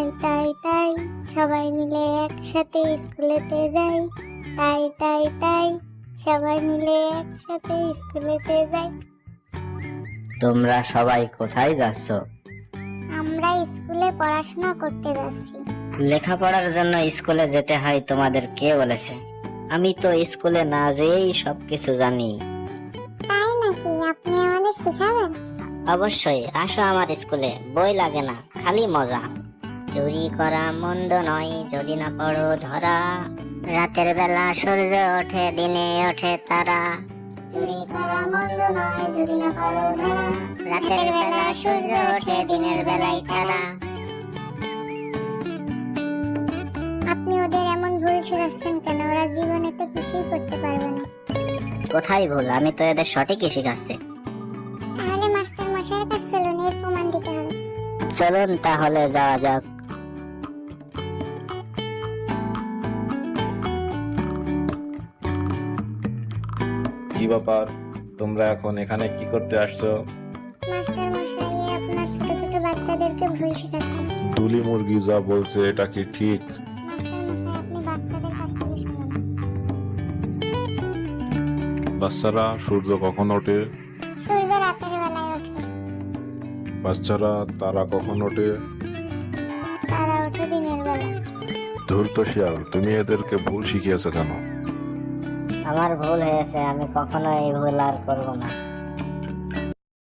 তাই তাই সবাই মিলে একসাথে স্কুলেতে যাই। তাই তাই তাই সবাই মিলে একসাথে স্কুলেতে যাই। তোমরা সবাই কোথায় যাচ্ছ? আমরা স্কুলে পড়াশোনা করতে যাচ্ছি। লেখাপড়ার জন্য স্কুলে যেতে হয় তোমাদের কে বলেছে? আমি তো স্কুলে না যেয়েই সবকিছু জানি। তাই নাকি? আপনি আমাদের শেখাবেন? অবশ্যই, আসো আমার স্কুলে, বই লাগে না, খালি মজা। চুরি করা মন্দ নয় যদি না পড়ো ধরা, রাতের বেলা সূর্য ওঠে দিনে ওঠে তারা। চুরি করা মন্দ নয় যদি না পড়ো ধরা, রাতের বেলা সূর্য ওঠে দিনের বেলায় তারা। আপনি ওদের এমন ভুল শেখাচ্ছেন কেন? ওরা জীবনে তো কিছুই করতে পারবে না। কোথায় ভুল? আমি তো এদের সঠিকই শিখাচ্ছি। তাহলে মাস্টার মশাইয়ের কাছে চলুন, এর প্রমাণ দিতে হবে। চলুন তাহলে যাওয়া যাক। কি ব্যাপার, তোমরা এখন এখানে কি করতে আসছো? মাস্টার মশাই, আপনার ছোট ছোট বাচ্চাদেরকে ভুল শেখাচ্ছেন। দুলি মুরগি যা বলছে এটা কি ঠিক? মাস্টার মশাই, আপনি বাচ্চাদের কাছ থেকে শুনুন। বাচ্চারা, সূর্য কখন ওঠে? সূর্য রাতের বেলায় ওঠে। বাচ্চারা, তারা কখন ওঠে? তারা ওঠে দিনের বেলা। ধূর্ত শিয়াল, তুমি এদেরকে ভুল শিখিয়েছো কেন? আমার ভুল হয়েছে, আমি কখনো এই ভুল আর করবো না।